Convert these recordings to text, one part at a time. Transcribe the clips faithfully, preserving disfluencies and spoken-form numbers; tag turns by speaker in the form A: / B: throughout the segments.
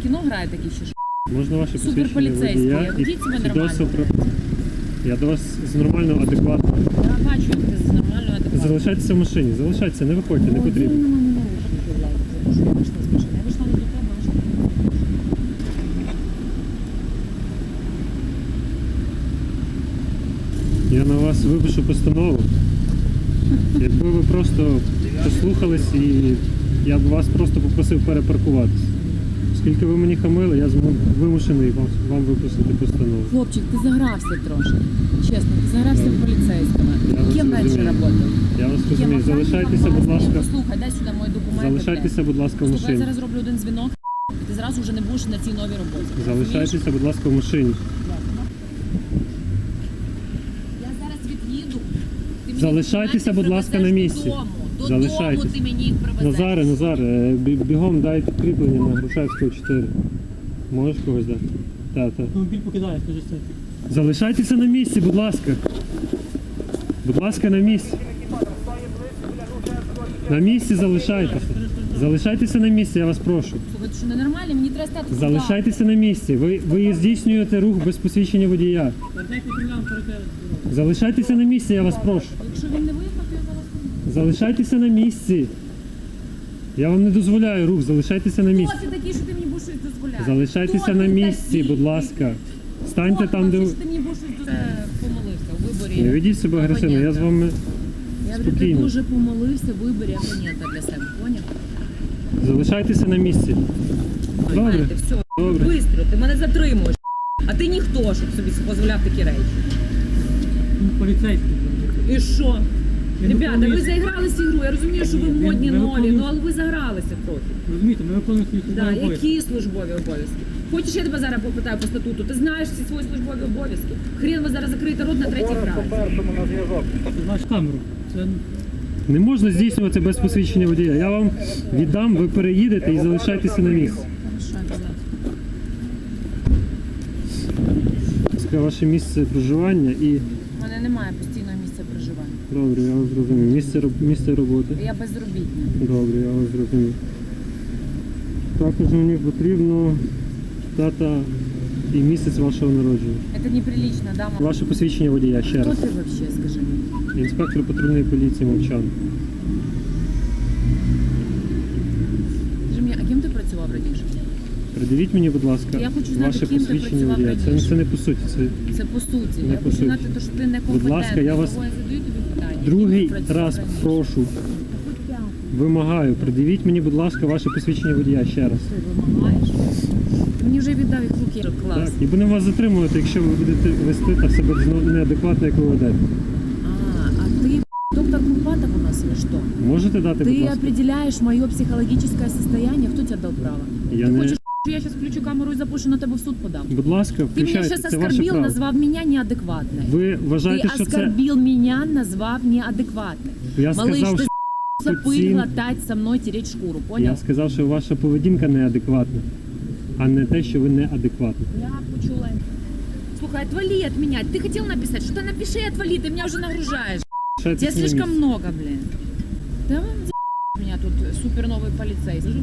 A: кіно граєте такі ще?
B: Можна ваше
A: Суперполіцейські, ведіть себе нормально.
B: Про... Я до вас з нормально, адекватно.
A: Я бачу, як ти з нормально, адекватно.
B: Залишайтеся в машині, залишайтеся, не виходьте, не потрібно.
A: Я вийшла з машини, я вийшла не до тебе, а вийшла.
B: Я на вас випишу постанову. Якби ви просто послухались, і я б вас просто попросив перепаркуватися. Оскільки ви мені хамили, я вимушений вам, вам випустити постанову.
A: Хлопчик, ти загрався трошки. Чесно, ти загрався в поліцейському. Ким раніше працював?
B: Я вас розумію. Залишайтеся, будь ласка.
A: Послухай, дай сюди мої документи.
B: Залишайтеся, будь ласка, в
A: Слухай, я
B: машині.
A: зараз роблю один дзвінок, і ти зразу вже не будеш на цій новій роботі.
B: Залишайтеся, будь ласка, в машині.
A: Я зараз від'їду. Ти мені
B: Залишайтеся, будь ласка, на місці.
A: Додому. Додому
B: Залишайтеся.
A: ти мені їх привезеш.
B: Назаре, Назаре, бі- бігом дай підкріплення на Грушевського чотири. Можеш когось дати? Так, так.
C: Автомобіль покидає, скажи це.
B: Залишайтеся на місці, будь ласка. Будь ласка, на місці. На місці залишайтеся. Залишайтеся на місці, я вас прошу.
A: Слухай, ти що, ненормальний? Мені треба стати.
B: Залишайтеся на місці. Ви, ви здійснюєте рух без посвідчення водія.
C: Дайте кримінал перед.
B: Залишайтеся на місці, я вас прошу.
A: Якщо він не виїхав, то я зараз не
B: Залишайтеся на місці. Я вам не дозволяю рух, залишайтеся на місці.
A: Хто ти такий, що ти мені будеш щось дозволяти?
B: Залишайтеся
A: Хто
B: на
A: ти
B: місці,
A: такий?
B: будь ласка. Станьте
A: Хто
B: там,
A: ти
B: де...
A: такий, що ти мені будеш щось дозволяти? Помолився у виборі.
B: Не ведіть себе агресивно, я з вами
A: Я говорю, ти
B: спокійно.
A: дуже помолився в виборі опонента для себе, поняв?
B: Залишайтеся на місці. Добре,
A: Знаєте, все,
B: добре.
A: бистро, ти мене затримуєш. А ти ніхто, щоб собі дозволяв такі речі.
C: Поліцейський.
A: І що?
C: Я
A: Ребята, ви
C: виконую-
A: заігралися ігру, я розумію, що ви
C: Ні,
A: модні,
C: ми
A: нові,
C: виконуємо-
A: ну але ви загралися трохи.
C: Розумієте, ми виконуємо свої
A: Да,
C: службові обов'язки.
A: які службові обов'язки? Хочеш, я тебе зараз попитаю по статуту? Ти знаєш всі свої службові обов'язки? Хрен ви зараз закриєте рот на третій фразі.
C: Ти знаєш камеру. Це
B: Не можна здійснювати без посвідчення водія. Я вам віддам, ви переїдете і залишайтеся на місці.
A: Хорошо, обязательно.
B: Це ваше місце проживання і...
A: У мене немає постійного місця проживання.
B: Добре, я вас зрозумів. Місце, роб- місце роботи.
A: Я безробітна.
B: Добре, я вас зрозумів. Також мені потрібно дата і місяць вашого народження.
A: Это неприлично, да, мама?
B: Ваше посвідчення водія, ще
A: Хто
B: раз.
A: ти вообще, скажи мені?
B: Інспектор патрульної поліції Мовчан.
A: Скажи мені, а ким ти працював раніше?
B: Придивіть мені, будь ласка,
A: Я хочу знати,
B: ваше
A: ким ти
B: посвідчення
A: працював
B: водія. Це,
A: раніше.
B: це не по суті. Це
A: Це по суті.
B: Не
A: я
B: по
A: хочу
B: суті.
A: знати, то, що ти некомпетентний.
B: Будь ласка, я вас
A: Того я задаю тобі питання.
B: другий
A: Ким ти працював
B: раз
A: раніше?
B: прошу, вимагаю, придивіть мені, будь ласка, ваше посвідчення водія ще раз.
A: Ти вимагаєш? Ти мені вже віддав їх в руки. Клас.
B: Так, і будемо вас затримувати, якщо ви будете вести так себе зно- неадекватно, як ви ведете.
A: А, а ты доктор Курпатов у нас или что?
B: Можете дати, будь
A: Ты
B: ласка?
A: определяешь мое психологическое состояние. Кто тебе дал право?
B: Я
A: Ты
B: не...
A: хочешь, что я сейчас включу камеру и запущу на тебе в суд подам?
B: Будь ласка,
A: Ты меня
B: включайте,
A: сейчас
B: це ваше
A: оскорбил,
B: право.
A: назвав меня неадекватной.
B: Ви вважаєте,
A: Ты
B: що це...
A: оскорбил меня, назвав неадекватной.
B: Я
A: Малыш,
B: сказав,
A: ты
B: що
A: запыл
B: ці-
A: глотать со мной, тереть шкуру, понял?
B: Я сказав, що ваша поведінка неадекватна, а не те, що ви неадекватні.
A: Я почула. Слухай, отвали от меня. Ты хотел написать? Что-то напиши и отвали, ты меня уже нагружаешь.
B: Лишайтеся
A: Тебя
B: на
A: слишком
B: місці.
A: много, блин. Да вам за меня тут супер новый полицейский.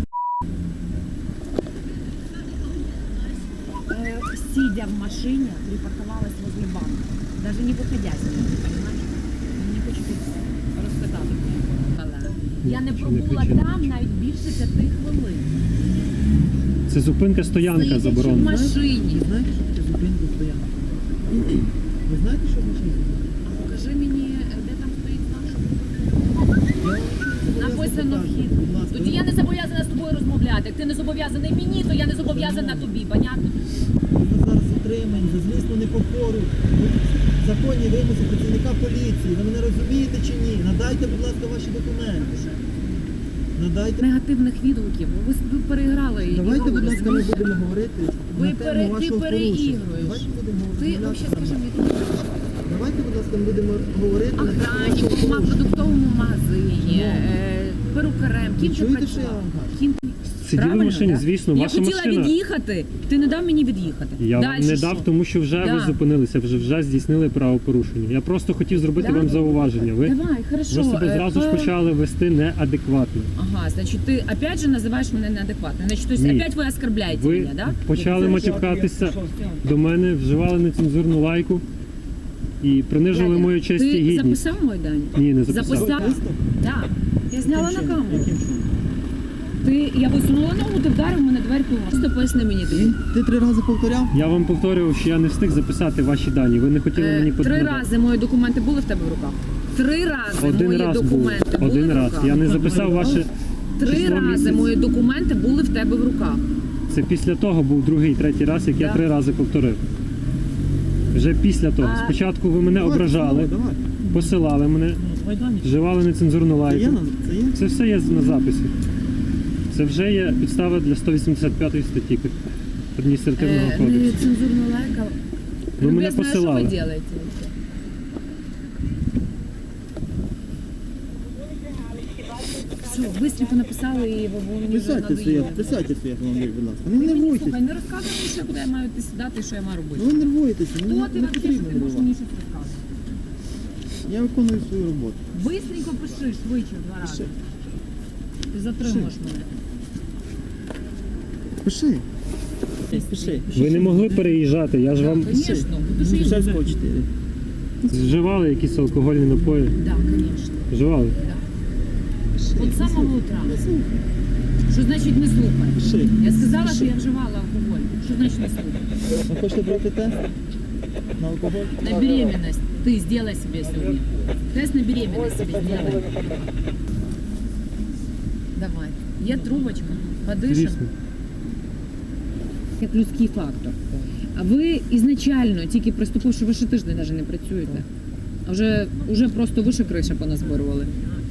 A: Э, Сидя в машине, припарковалась возле банка. Даже не выходя с нее, понимаешь? Мені хочу тут розказати. Я не
B: Чи не
A: пробула
B: кричи, не
A: там
B: кричи.
A: навіть більше п'яти хвилин.
B: Це зупинка, стоянка
A: Сидячи в
B: заборонена.
A: машині.
C: Ви знаєте, що таке зупинка стоянка? Ви знаєте, що значить?
A: А покажи мені, де там стоїть наш. Написано вхід. Тоді я не зобов'язана з тобою розмовляти. Як ти не зобов'язаний мені, то я не зобов'язана тобі, понятно?
D: Ми зараз затримані за злісну непокору. Законні вимоги працівника поліції. Ви мене розумієте чи ні? Надайте, будь ласка, ваші документи. Надайте.
A: Негативних відгуків. Ви, ви переіграли.
D: Давайте,
A: ігру,
D: будь ласка, ми
A: розумієш?
D: будемо говорити
A: Ви
D: на
A: пере-
D: тему
A: ти
D: вашого порушення.
A: переігруєш.
D: Давайте будемо
A: Ти
D: розмовляти
A: взагалі скажи
D: нормально.
A: мені, ти
D: Давайте, будь ласка, ми будемо говорити. на
A: Охранчиком,
D: вашому
A: в продуктовому магазині,
D: Ну.
A: е, перукарем.
D: Ви
A: Ким ти
D: чуєте, що я
A: працював?
D: вам кажу?
A: Ким?
B: Сиділи в
A: Правильно,
B: машині,
A: да?
B: звісно,
A: Я
B: ваша
A: хотіла
B: машина.
A: від'їхати, ти не дав мені від'їхати.
B: Я вам
A: Дальше
B: не
A: що?
B: дав, тому що вже
A: Да.
B: ви зупинилися, вже вже здійснили правопорушення. Я просто хотів зробити
A: Да?
B: вам зауваження. Ви,
A: Давай, хорошо.
B: ви себе
A: е,
B: зразу ж
A: по-
B: почали вести неадекватно.
A: Ага, значит, ты опять же называешь меня неадекватной. Значит, то есть
B: Ні.
A: опять вы оскорбляете
B: Ви
A: меня, да?
B: почали матюкатися до мене, вживали нецензурну лайку і принижували мою честь і
A: Ты
B: гідність.
A: записал мой дань?
B: Ні, не записав.
A: Записал? Да. Я зняла на
D: Яким чином?
A: камеру.
D: Яким чином?
A: Ти, я висунула ногу, ти вдарив мене дверку. Просто поясни мені тоді.
D: Ти три рази повторяв?
B: Я вам повторював, що я не встиг записати ваші дані. Ви не хотіли
A: Е,
B: мені
A: Три
B: подати.
A: рази мої документи були в тебе в руках. Три рази
B: Один
A: мої
B: раз був.
A: документи були
B: Один
A: в
B: раз.
A: руках.
B: Я не записав ваше
A: Три
B: число
A: рази
B: місяць.
A: мої документи були в тебе в руках.
B: Це після того був другий, третій раз, як я
A: Да.
B: три рази повторив. Вже після того.
A: А-
B: Спочатку ви мене
D: Давайте,
B: ображали,
D: Давай.
B: посилали мене,
C: Майдані.
B: вживали нецензурну
D: Це є?
B: лайку.
D: на- Це є?
B: Це все є на записі. Це вже є підстава для сто вісімдесят п'ятої статті адміністративного
A: Е,
B: кодексу.
A: Нецензурну лайка.
B: Ви мене
A: Любезная,
B: посилали.
A: Что вы делаете вообще? Все, быстренько написали і ви ви мені вже
D: Писайте своє,
A: надоїли.
D: писайте своє автомобіль, будь ласка. Не
A: Ти мені,
D: нервуйтесь.
A: слухай, не розказуй мені ще, куди я маю йти сідати і що я маю робити.
D: Ну, ви нервуєтеся,
A: Хто
D: не,
A: ти
D: не
A: вообще, що
D: потрібно
A: ти можеш
D: нервувати.
A: мені щось розказувати?
D: Я виконую свою роботу.
A: Быстренько пиши, швидше в два рази. Ти затримуєш мене.
D: Пиши. Пиши.
B: Ви не могли переїжджати, я ж вам
A: Звісно, будеш їздити.
D: Шевського чотири.
B: вживали якісь алкогольні напої.
A: Так, звісно.
B: Вживали.
A: От з самого утра. Що значить не слухай?
D: Пиши.
A: Я сказала, що я вживала алкоголь. Що значить не слухай?
D: Ви хочете брати тест на алкоголь?
A: На беременность ты сделай себе сегодня. Тест на беременность себе сделай. Давай. Є трубочка. Подишем.
B: Звісно.
A: Як людський фактор. А ви ізначально, тільки приступивши, ви ще тиждень навіть не працюєте. А вже, вже просто вище криша поназборювали.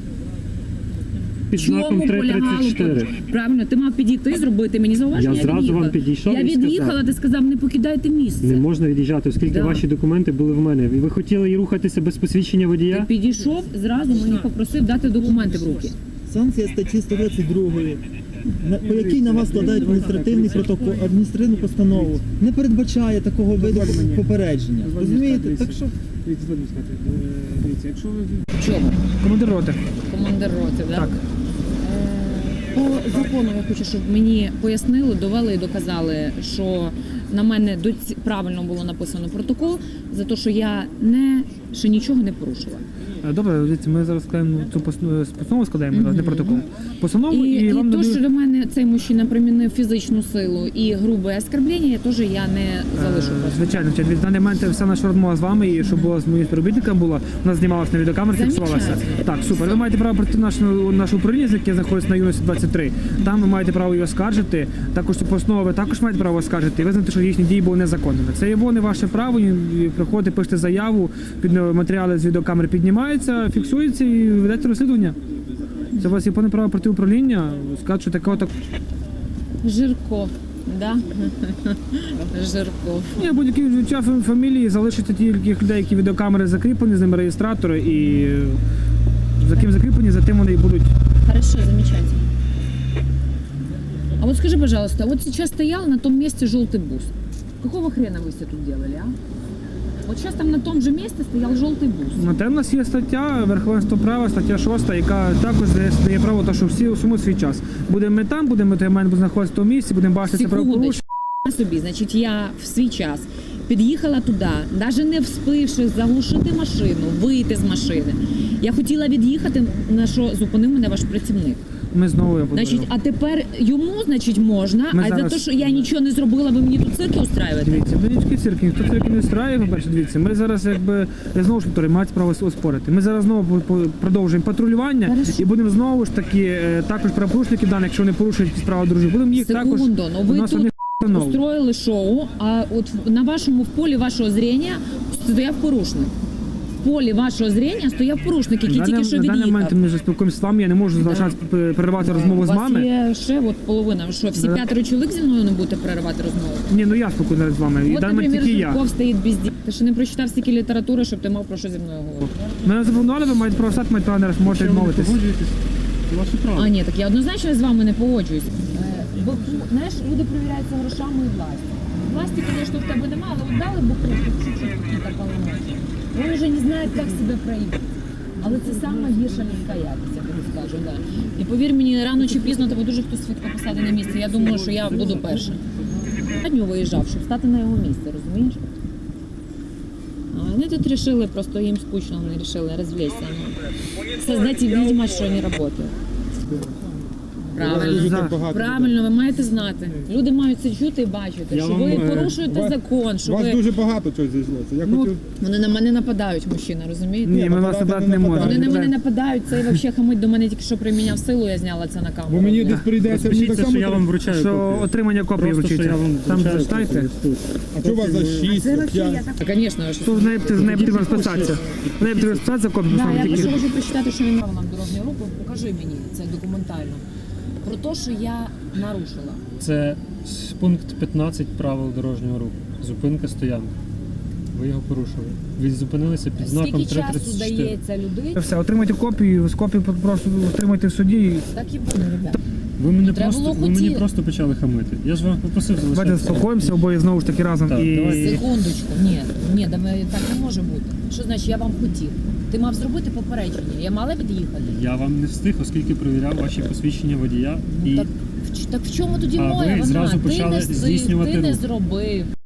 B: Під знаком три тридцять чотири.
A: Правильно, ти мав підійти, зробити мені зауваження.
B: Я зразу
A: від'їхала.
B: вам підійшов
A: Я
B: і сказав.
A: від'їхала, ти сказав, не покидайте місце.
B: Не можна від'їжджати, оскільки
A: Да.
B: ваші документи були в мене. І ви хотіли і рухатися без посвідчення
A: Ти
B: водія?
A: підійшов, зразу мені попросив дати документи в руки.
D: Санкція статті сто двадцять два, на- по якій на вас складають адміністративний протокол, адміністративну постанову, не передбачає такого виду попередження. Розумієте? Так що
C: Дивіться, згодом сказати. Е, Дивіться, якщо ви
A: Чого?
C: командир роти.
A: Командир роти, да?
C: Так.
A: Е, По закону я хочу, щоб мені пояснили, довели і доказали, що на мене доці- правильно було написано протокол за те, що я не ще нічого не порушила.
C: Е, Добре, дивіться, ми зараз складаємо цю постанову, постанову складаємо, не протокол. Постанову
A: І,
C: і,
A: і
C: вам
A: то,
C: надають-
A: що до мене цей мужчина примінив фізичну силу і грубе оскорблення, я теж я не залишу.
C: Е,
A: просто.
C: Звичайно, в даний момент вся наша розмова з вами і щоб була з моїм співробітником була, вона знімалася на відеокамеру, фіксувалася.
A: Замечательно.
C: Так, супер. Ви маєте право пройти наше, наше управління, яке знаходиться на юності двадцять три. Там ви маєте право її оскаржити. Також цю постанову ви також маєте право оскаржити і визнати, що їхні дії були незаконними. Це є не ваше право. і Приходите, пишете заяву, під матеріали з відеокамери піднімаються, фіксуються і ведете розслідування. Це у вас є повне право проти управління. Скажуть, що такого так.
A: Жирко, да? Жирко.
C: Ні, будь-які відчуття фам- фамілії залишаться тільки людей, які відеокамери закріплені, з ними реєстратори, і е, за ким закріплені, за тим вони і будуть.
A: Хорошо, замечательно. А вот скажи, пожалуйста, вот сейчас стоял на том месте желтый бус. Какого хрена вы все тут делали, а? Вот сейчас там на том же месте стоял желтый бус.
C: На те в нас є стаття верховенство права, стаття шоста, яка також дає, дає право, то, що всі усьому свій час. Будемо ми там, будемо ми маємо знаходитися в тому місці, будемо бачити це правопорушення.
A: Секундочку, собі, значить, я в свій час під'їхала туди, навіть не вспивши заглушити машину, вийти з машини. Я хотіла від'їхати, на що зупинив мене ваш працівник.
C: Ми знову я
A: Значить, а тепер йому, значить, можна,
C: Ми
A: а
C: зараз-
A: за те, що я нічого не зробила, ви мені тут цирки устраюєте?
C: Дивіться, ви нічки цирки, ніхто цирки не страє, по-перше, дивіться, ми зараз якби, я знову ж повторюю, мають право оспорити. Ми зараз знову по- по- продовжуємо патрулювання
A: Хорошо.
C: і будемо знову ж таки, е, також правопорушників даних, якщо вони порушують якісь права дорожні, будемо їх також,
A: Секунду, ну
C: у
A: ви
C: нас
A: тут
C: одних встановлено.
A: устроїли шоу, а от в- на вашому в полі вашого зрення стояв порушник. в полі вашого зрення стояв порушник, який
C: На
A: тільки
C: даний-
A: що
C: на даний момент
A: від'їхав.
C: ми вже спілкуємося з вами, я не можу залишати п- переривати розмову
A: У
C: з
A: вас
C: вами.
A: є ще от половина. Що, всі
C: Да.
A: п'ятеро чоловік зі мною не будете переривати розмову?
C: Ні, ну я спілкуюся з вами. І в
A: От,
C: даний момент
A: наприклад,
C: тільки я.
A: Жирков стоїть без дій. Ти ще не прочитав стільки літератури, щоб ти мав про що зі мною говорити.
C: Мене запропонували, ви маєте право стати, маєте право не раз, можете
B: Якщо ви не
C: відмовитись.
B: погоджуєтесь, це ваше право.
A: А, ні, так я однозначно з вами не погоджуюсь. Е, Бо, знаєш, люди перевіряються грошами і властю. Власті, звісно, в тебе немає, але от дали буху, чуть-чуть какие-то полномочия. Вони вже не знають, як себе проявити. Але це саме гірша людська якість, я тобі скажу, да. І повір мені, рано чи пізно тебе дуже хтось швидко посаде на місце. Я думаю, що я буду перша. Я дню виїжджав, щоб стати на його місце, розумієш? А вони тут вирішили, просто їм скучно, вони вирішили розвлечься. Ну, создать видимость, що вони працюють. Правильно.
C: Да.
A: Правильно, ви маєте знати. Люди мають це чути і бачити,
B: Я
A: що
B: вам,
A: ви
B: е,
A: порушуєте
E: вас-
A: закон, що
E: У вас
A: ви...
E: дуже багато чого зійшлося. Я
C: Ну,
E: хотів...
A: Вони на мене нападають, мужчина, розумієте?
C: Ні, ми вас набрати не можемо.
A: Вони на мене
C: Да.
A: нападають, цей взагалі хамить до мене тільки що приміняв силу, я зняла це на камеру.
E: Бо мені десь прийдеться, мені так
B: Розпишіться,
E: само...
B: що я вам вручаю
C: Що
B: копію.
C: отримання копії
B: Просто, що
C: вручиться.
B: я вам
C: Там
B: вручаю
C: зачитайте.
B: копію. Тут.
E: А що у вас за шість, п'ять?
A: А, звісно, що...
C: Тут в неї з нею потрібно розписатися. В неї потрібно розписатися, копію
A: Да, я
C: поставити
A: просто
C: тільки.
A: хочу прочитати, що він мав нам дорожню руку. Покажи мені це документально. Про те, що я нарушила.
B: Це с- пункт п'ятнадцять правил дорожнього руху. Зупинка стоянка. Ви його порушили. Ви зупинилися під знаком
A: Скільки
B: три
A: часу
B: тридцять чотири.
A: дається людині?
C: Все, отримайте копію, з копію просто отримайте в суді.
A: Так і буде, ребята.
B: Ви мене
A: Треба
B: просто
A: було
B: ви мені
A: хотіти.
B: просто почали хамити. Я ж вам попросив
C: Давайте
B: залишатися.
C: заспокоїмося обоє знову ж таки разом.
B: Так,
C: І
B: давайте.
A: Секундочку, ні, ні, давай, так не може бути. Що значить, я вам хотів? Ти мав зробити попередження, я мала від'їхати.
B: Я вам не встиг, оскільки перевіряв ваші посвідчення водія.
A: Ну,
B: І
A: так, в ч- так в чому тоді
B: А
A: моя
B: ви
A: вина?
B: зразу
A: Ти
B: почали
A: не,
B: здійснювати
A: ти не
B: рух.
A: зробив.